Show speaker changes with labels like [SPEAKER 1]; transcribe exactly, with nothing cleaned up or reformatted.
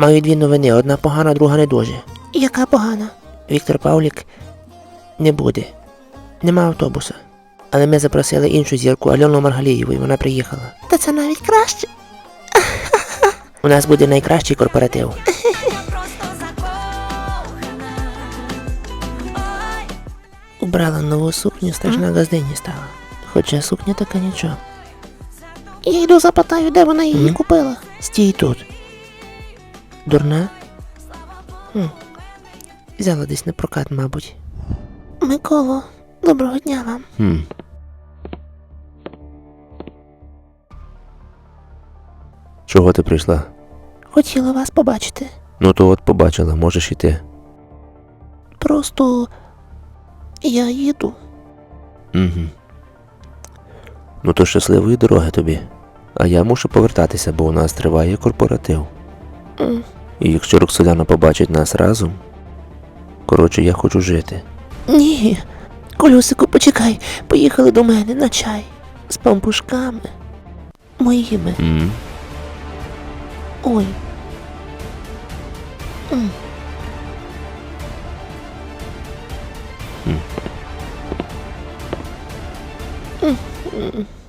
[SPEAKER 1] Маю дві новини, одна погана, друга не дуже.
[SPEAKER 2] Яка погана?
[SPEAKER 1] Віктор Павлік не буде. Нема автобуса. Але ми запросили іншу зірку Альону Маргалієву, і вона приїхала.
[SPEAKER 2] Та це навіть краще.
[SPEAKER 1] У нас буде найкращий корпоратив. Убрала нову сукню, страшна газдині стала. Хоча сукня така нічого.
[SPEAKER 2] Я йду запитаю, де вона її
[SPEAKER 1] М?
[SPEAKER 2] купила.
[SPEAKER 1] Стій тут. Дурна? Хм. Взяла десь на прокат, мабуть.
[SPEAKER 2] Миколо, доброго дня вам.
[SPEAKER 1] Хм. Чого ти прийшла?
[SPEAKER 2] Хотіла вас побачити.
[SPEAKER 1] Ну то от побачила, можеш іти.
[SPEAKER 2] Просто я їду.
[SPEAKER 1] Угу. Ну то щасливої дороги тобі. А я мушу повертатися, бо у нас триває корпоратив.
[SPEAKER 2] М.
[SPEAKER 1] І якщо Роксоляна побачить нас разом, коротше, я хочу жити.
[SPEAKER 2] Ні. Колюсику, почекай. Поїхали до мене на чай. З пампушками. Моїми.
[SPEAKER 1] М?
[SPEAKER 2] Ой. М.
[SPEAKER 1] М.
[SPEAKER 2] М. М.